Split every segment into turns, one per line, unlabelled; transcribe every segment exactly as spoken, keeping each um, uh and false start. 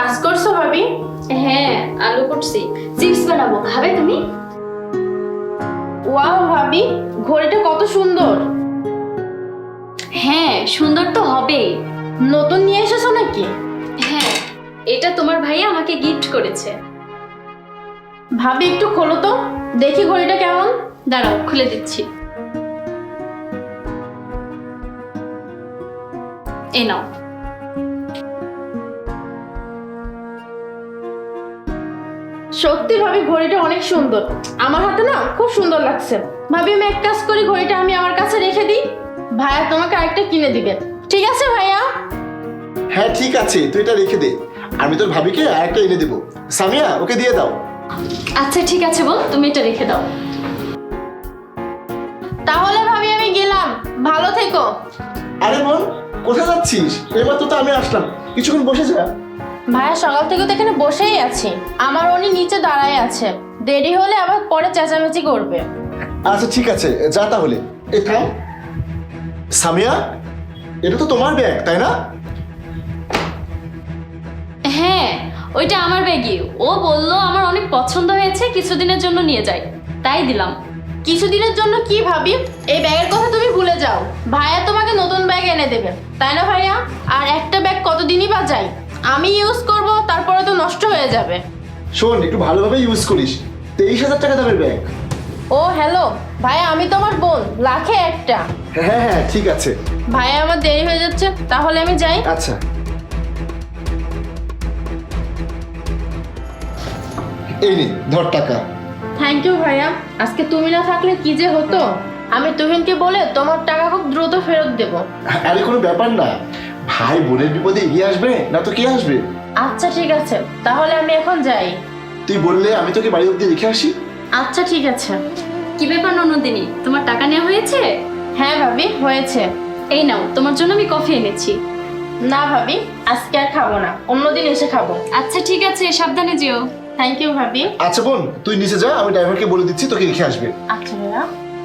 কাজ করছো ভাবি?
হ্যাঁ, আলু করছি, চিপস বানাবো, খাবে তুমি?
ওয়াও ভাবি, ঘড়িটা কত সুন্দর।
হ্যাঁ, সুন্দর তো হবেই।
নতুন নিয়ে এসেছো নাকি?
হ্যাঁ, এটা তোমার ভাইয়া আমাকে গিফট করেছে।
ভাবি একটু খোলো তো, দেখি ঘড়িটা কেমন।
দাঁড়াও, খুলে দিচ্ছি। এই নাও।
সত্যি ভাবি ঘড়িটা অনেক সুন্দর, আমার হাতে না খুব সুন্দর লাগছে। ভাবি আমি এক কাজ করি, ঘড়িটা আমি আমার কাছে রেখে দিই, ভাইয়া তোমাকে আরেকটা কিনে দিবে। ঠিক আছে ভাইয়া?
হ্যাঁ ঠিক আছে, তুই এটা রেখে দে, আমি তোর ভাবিকে আরেকটা এনে দেবো। সামিয়া ওকে দিয়ে দাও।
আচ্ছা ঠিক আছে বোন, তুমি এটা রেখে দাও।
তাহলে ভাবি আমি গেলাম, ভালো থেকো।
আরে বোন, কোথায় যাচ্ছিস? এইমাত্র তো আমি আসলাম, কিছুক্ষণ বসে যা।
ভাইয়া সকাল থেকে তো এখানে বসেই আছি, আমার উনি নিচে দাঁড়ায় আছে, দেরি হলে আবার পরে চেঁচামেচি করবে।
আচ্ছা ঠিক আছে, যা তাহলে। এ থাম। সামিয়া, এটা তো তোমার ব্যাগ তাই না?
হ্যাঁ, ওইটা আমার ব্যাগই। ও বললো আমার অনেক পছন্দ হয়েছে, কিছুদিনের জন্য নিয়ে যাই, তাই দিলাম।
কিছুদিনের জন্য কি ভাবি, এই ব্যাগের কথা তুমি ভুলে যাও, ভাইয়া তোমাকে নতুন ব্যাগ এনে দেবে, তাই না ভাইয়া? আর একটা ব্যাগ কতদিনই বা যায়, আমি ইউজ করব, তারপরে তো নষ্ট হয়ে যাবে।
শোন, একটু ভালোভাবে ইউজ করিস। তেইশ হাজার টাকা দামের ব্যাগ।
ও হ্যালো ভাইয়া, আমি তোমার বোন, লাখে একটা।
হ্যাঁ হ্যাঁ ঠিক আছে।
ভাইয়া আমার দেরি হয়ে যাচ্ছে, তাহলে আমি যাই।
আচ্ছা, এই নে ধর টাকা।
থ্যাংক ইউ ভাইয়া, আজকে তুমি না থাকলে কি যে হতো। আমি তুহিনকে বলে তোমার টাকা খুব দ্রুত ফেরত দেব।
আরে কোনো ব্যাপার না, ভাই বোনের বিপদে এগিয়ে আসবে না তো কে আসবে?
আচ্ছা ঠিক আছে, তাহলে আমি এখন যাই।
তুই বললে আমি তোকে বাড়ি অব্দি রেখে আসি।
আচ্ছা ঠিক আছে।
কি ব্যাপার ননদিনী, তোমার টাকা নেওয়া হয়েছে?
হ্যাঁ ভাবি হয়েছে।
এই নাও, তোমার জন্য আমি কফি এনেছি।
না ভাবি, আজকে আর খাবো না, অন্যদিন এসে খাবো।
আচ্ছা ঠিক আছে, সাবধানে যেও।
থ্যাংক ইউ ভাবি।
আচ্ছা বোন, তুই নিচে যা, আমি ড্রাইভারকে বলে দিচ্ছি তোকে রেখে আসবে।
আচ্ছা ভাইয়া।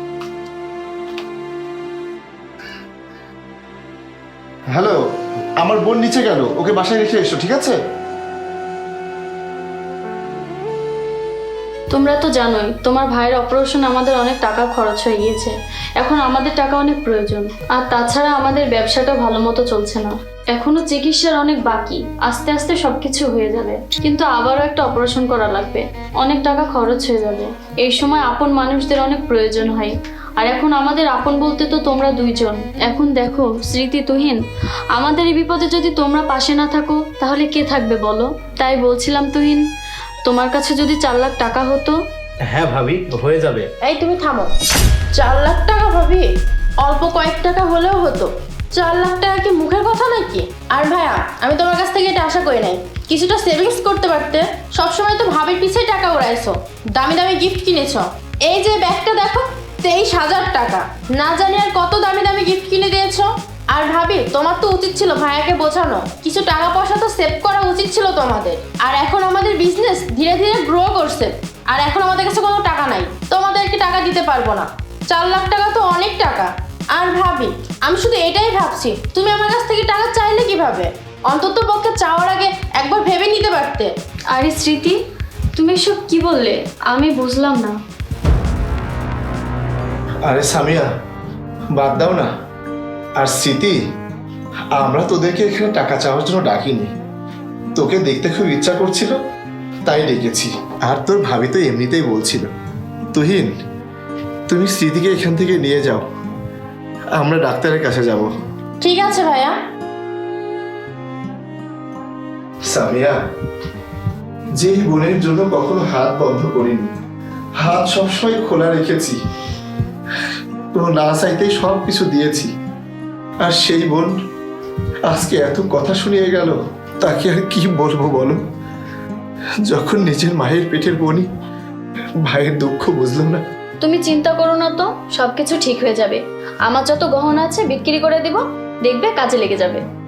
হ্যালো, আমার বোন নিচে গেল, ওকে বাসায় রেখে এসো, ঠিক আছে?
তোমরা তো জানোই তোমার ভাইয়ের অপারেশন আমাদের অনেক টাকা খরচ হয়ে গিয়েছে, এখন আমাদের টাকা অনেক প্রয়োজন। আর তাছাড়া আমাদের ব্যবসাটা ভালো মতো চলছে না, এখনো চিকিৎসার অনেক বাকি, আস্তে আস্তে সবকিছু হয়ে যাবে, কিন্তু আবারও একটা অপারেশন করা লাগবে, অনেক টাকা খরচ হয়ে যাবে। এই সময় আপন মানুষদের অনেক প্রয়োজন হয়, আর এখন আমাদের আপন বলতে তো তোমরা দুইজন। এখন দেখো স্মৃতি, তুহিন, আমাদের এই বিপদে যদি তোমরা পাশে না থাকো তাহলে কে থাকবে বলো? তাই বলছিলাম তুহিন, তোমার কাছে যদি চার লাখ টাকা হতো।
হ্যাঁ ভাবি, হয়ে যাবে।
এই তুমি থামো, চার লাখ টাকা ভাবি? অল্প কয়েক টাকা হলেও হতো, চার লাখ টাকা কি মুখের কথা নাকি? আর ভাইয়া, আমি তোমার কাছ থেকে এটা আশা করি নাই, কিছুটা সেভিংস করতে পারতে। সবসময় তো ভাবির পিছিয়ে টাকা উড়াইছো, দামি দামি গিফট কিনেছো। এই যে ব্যাগটা দেখো, তেইশ হাজার টাকা, না জানি আর কত দামি দামি গিফট কিনে দিয়েছো। আর ভাবি, তোমার তো উচিত ছিল ভাইয়াকে বোঝানো, কিছু টাকা পয়সা তো সেভ করা উচিত ছিল তোমাদের। আর এখন আমাদের বিজনেস ধীরে ধীরে গ্রো করছে, আর এখন আমাদের কাছে কোনো টাকা নাই, তোমাদেরকে টাকা দিতে পারবো না। চার লাখ টাকা তো অনেক টাকা। আর ভাবি, আমি শুধু এটাই ভাবছি, তুমি আমার কাছ থেকে টাকা চাইলে কিভাবে? অন্তত পক্ষে চাওয়ার আগে একবার ভেবে নিতে পারতে।
আরে স্মৃতি, তুমি এসব কি বললে? আমি বুঝলাম না।
আরে সামিয়া, বাদ দাও না। আর স্মৃতি, আমরা তোদেরকে এখানে টাকা চাওয়ার জন্য ডাকিনি, তোকে দেখতে খুব ইচ্ছা করছিল তাই ডেকেছি। আর তোর ভাবি তো এমনিতেই বলছিল। তুহিন, তুমি স্মৃতিকে এখান থেকে নিয়ে যাও, আমরা ডাক্তারের কাছে যাব।
ঠিক আছে ভাইয়া।
সামিয়া, যে বোনের জন্য কখনো হাত বন্ধ করিনি, হাত সবসময় খোলা রেখেছি, তো না চাইতেই সব কিছু দিয়েছি, আর সেই বোন আজকে এত কথা শুনিয়ে গেল, তাকে আর কি বলবো বলো? যখন নিজের মায়ের পেটের বোনই ভাইয়ের দুঃখ বুঝলো না।
তুমি চিন্তা করো না তো, সবকিছু ঠিক হয়ে যাবে। আমার যত গহনা আছে বিক্রি করে দিব, দেখবে কাজে লেগে যাবে।